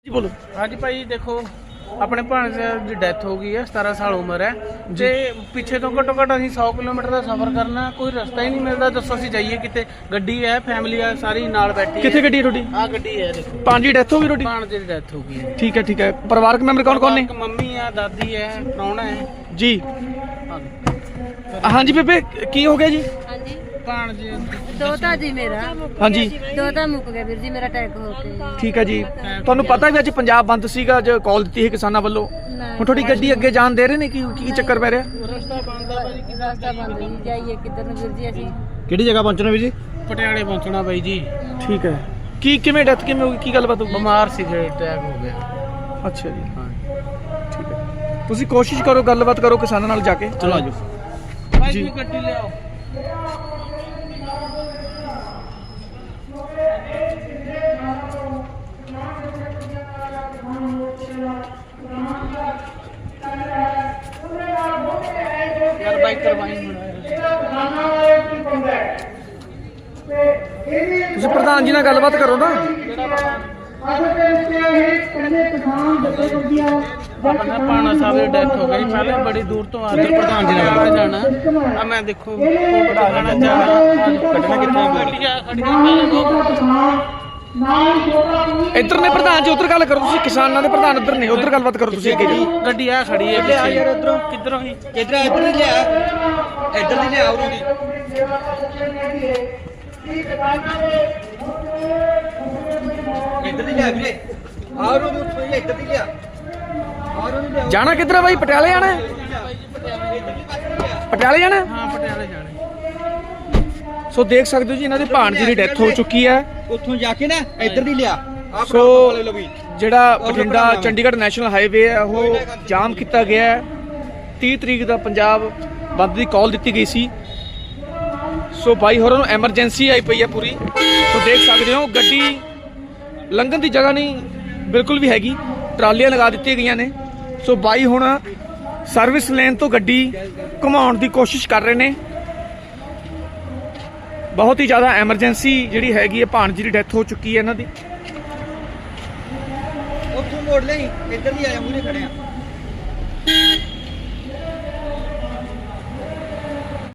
जी बोलो। हाँ जी भाई देखो अपने भाणजे की डेथ हो गई है 17 साल उम्र है जे पिछे तो घट्टो घट्ट असीं 100 किलोमीटर का सफर करना कोई रास्ता ही नहीं मिलता। दसो असीं जाइए किते गड्डी है फैमिली है सारी नाल बैठी कितने गड्डी है थोड़ी? हाँ गड्डी है देखो भांजी डेथ हो गई थोड़ी? भाणजे की डेथ हो गई है। ठीक है परिवारक मेंबर कौन कौन ने? मम्मी है दादी है प्राहुणा है जी। हाँ जी बेबे की हो गया जी? हाँ जी भाणजे दोता जी मेरा हाँ जी दोता मुੱਕ ਗਿਆ ਵੀਰ ਜੀ ਮੇਰਾ ਅਟੈਕ ਹੋ ਕੇ ਠੀਕ ਹੈ ਜੀ। ਤੁਹਾਨੂੰ ਪਤਾ ਵੀ ਅੱਜ ਪੰਜਾਬ ਬੰਦ ਸੀਗਾ ਅੱਜ ਕਾਲ ਦਿੱਤੀ ਹੈ ਕਿਸਾਨਾਂ ਵੱਲੋਂ ਹੁਣ ਤੁਹਾਡੀ ਗੱਡੀ ਅੱਗੇ ਜਾਣ ਦੇ ਰਹੇ ਨੇ ਕੀ ਚੱਕਰ ਪੈ ਰਿਹਾ? ਰਸਤਾ ਬੰਦ ਆ ਭਾਈ ਰਸਤਾ ਬੰਦ ਜੀ ਜਾਈਏ ਕਿੱਧਰ ਨੂੰ ਵੀਰ ਜੀ ਅਸੀਂ ਕਿਹੜੀ ਜਗ੍ਹਾ ਪਹੁੰਚਣਾ ਵੀ ਜੀ? ਪਟਿਆਲੇ ਪਹੁੰਚਣਾ ਬਾਈ ਜੀ। ਠੀਕ ਹੈ ਕਿਵੇਂ ਡੈਥ ਕਿਵੇਂ ਹੋ ਗਈ ਕੀ ਗੱਲਬਾਤ ਹੋ ਗਈ? ਬਿਮਾਰ ਸੀ ਅਟੈਕ ਹੋ ਗਿਆ। ਅੱਛਾ ਜੀ ਠੀਕ ਹੈ ਤੁਸੀਂ ਕੋਸ਼ਿਸ਼ ਕਰੋ ਗੱਲਬਾਤ ਕਰੋ ਕਿਸਾਨਾਂ ਨਾਲ ਜਾ ਕੇ। ਚਲੋ ਆਜੋ ਭਾਈ ਜੀ। ਜੀ ਗੱਡੀ ਲਿਆਓ। यार बाइक करवाई ਤੁਸੀਂ ਪ੍ਰਧਾਨ ਜੀ ਨਾਲ ਗੱਲਬਾਤ ਕਰੋ ਨਾ। अपना पाना साहब की डेथ हो गई पहले बड़ी दूर तो आते प्रधान जी ने जाना अब मैं देखो कटना ਇੱਧਰ ਨੇ ਪ੍ਰਧਾਨ ਜੀ ਉੱਧਰ ਗੱਲ ਕਰੋ ਤੁਸੀਂ ਕਿਸਾਨਾਂ ਦੇ ਪ੍ਰਧਾਨ ਉੱਧਰ ਨੇ ਉੱਧਰ ਗੱਲਬਾਤ ਕਰੋ ਤੁਸੀਂ ਅੱਗੇ ਜੀ। गड्डी आ खड़ी है यार इधरों किधरों ही इधर इधर ही लिया इधर ही लिया और भी इधर ही लिया वीरे और वो इधर ही लिया और वो लिया ਜਾਣਾ ਕਿੱਧਰ ਹੈ ਬਾਈ? ਪਟਿਆਲੇ ਜਾਣਾ ਹੈ? ਪਟਿਆਲੇ ਜਾਣਾ ਹੈ? हाँ पटियाले जाने ਸੋ ਦੇਖ ਸਕਦੇ ਹੋ ਜੀ ਇਹਨਾਂ ਦੇ ਭਾਣਜੇ ਦੀ ਡੈਥ ਹੋ ਚੁੱਕੀ ਹੈ। ਉੱਥੋਂ ਜਾ ਕੇ ਨਾ ਇੱਧਰ ਦੀ ਲਿਆ ਆਹ ਸੋ ਵਾਲੇ ਲੋ ਵੀ ਜਿਹੜਾ ਬਠਿੰਡਾ ਚੰਡੀਗੜ੍ਹ ਨੈਸ਼ਨਲ ਹਾਈਵੇ ਹੈ ਉਹ ਜਾਮ ਕੀਤਾ ਗਿਆ ਹੈ। 30 ਤਰੀਕ ਦਾ ਪੰਜਾਬ ਬੰਦ ਦੀ ਕਾਲ ਦਿੱਤੀ ਗਈ ਸੀ। ਸੋ ਬਾਈ ਹੋਰਾਂ ਨੂੰ ਐਮਰਜੈਂਸੀ ਆਈ ਪਈ ਹੈ ਪੂਰੀ। ਸੋ ਦੇਖ ਸਕਦੇ ਹੋ ਗੱਡੀ ਲੰਘਣ ਦੀ ਜਗ੍ਹਾ ਨਹੀਂ ਬਿਲਕੁਲ ਵੀ ਹੈਗੀ ਟਰਾਲੀਆਂ ਲਗਾ ਦਿੱਤੀਆਂ ਗਈਆਂ ਨੇ। ਸੋ ਬਾਈ ਹੁਣ ਸਰਵਿਸ ਲੇਨ ਤੋਂ ਗੱਡੀ ਘੁਮਾਉਣ ਦੀ ਕੋਸ਼ਿਸ਼ ਕਰ ਰਹੇ ਨੇ। ਬਹੁਤ ਹੀ ਜ਼ਿਆਦਾ ਐਮਰਜੈਂਸੀ ਜਿਹੜੀ ਹੈਗੀ ਹੈ ਭਾਣਜੀ ਦੀ ਡੈਥ ਹੋ ਚੁੱਕੀ ਹੈ ਇਹਨਾਂ ਦੀ। ਉੱਥੋਂ ਮੋੜ ਲਈ ਇੱਧਰ ਦੀ ਆਇਆ ਮੂਰੇ ਖੜੇ ਆ